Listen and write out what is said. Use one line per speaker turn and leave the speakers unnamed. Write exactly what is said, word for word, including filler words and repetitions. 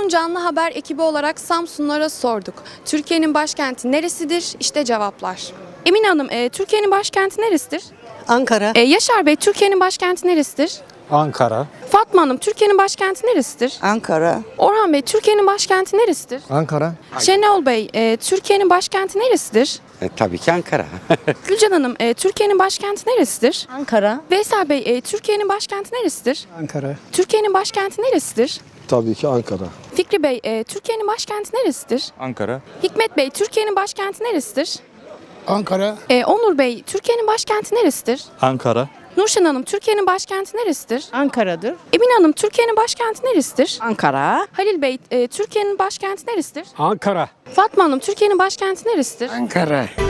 Bugün Canlı Haber ekibi olarak Samsunlara sorduk. Türkiye'nin başkenti neresidir? İşte cevaplar. Emine Hanım, e, Türkiye'nin başkenti neresidir?
Ankara.
E, Yaşar Bey, Türkiye'nin başkenti neresidir?
Ankara.
Fatma Hanım, Türkiye'nin başkenti neresidir?
Ankara.
Orhan Bey, Türkiye'nin başkenti neresidir?
Ankara.
Şenol Bey, e, Türkiye'nin başkenti neresidir?
E, tabii ki Ankara.
Gülcan Hanım, e, Türkiye'nin başkenti neresidir?
Ankara.
Veysel Bey, e, Türkiye'nin başkenti neresidir?
Ankara.
Türkiye'nin başkenti neresidir?
Tabii ki Ankara.
Fikri Bey, e, Türkiye'nin başkenti neresidir?
Ankara.
Hikmet Bey, Türkiye'nin başkenti neresidir?
Ankara.
E, Onur Bey, Türkiye'nin başkenti neresidir?
Ankara.
Nurşen Hanım, Türkiye'nin başkenti neresidir?
Ankara'dır.
Emine Hanım, Türkiye'nin başkenti neresidir?
Ankara.
Halil Bey, e, Türkiye'nin başkenti neresidir?
Ankara.
Fatma Hanım, Türkiye'nin başkenti neresidir?
Ankara.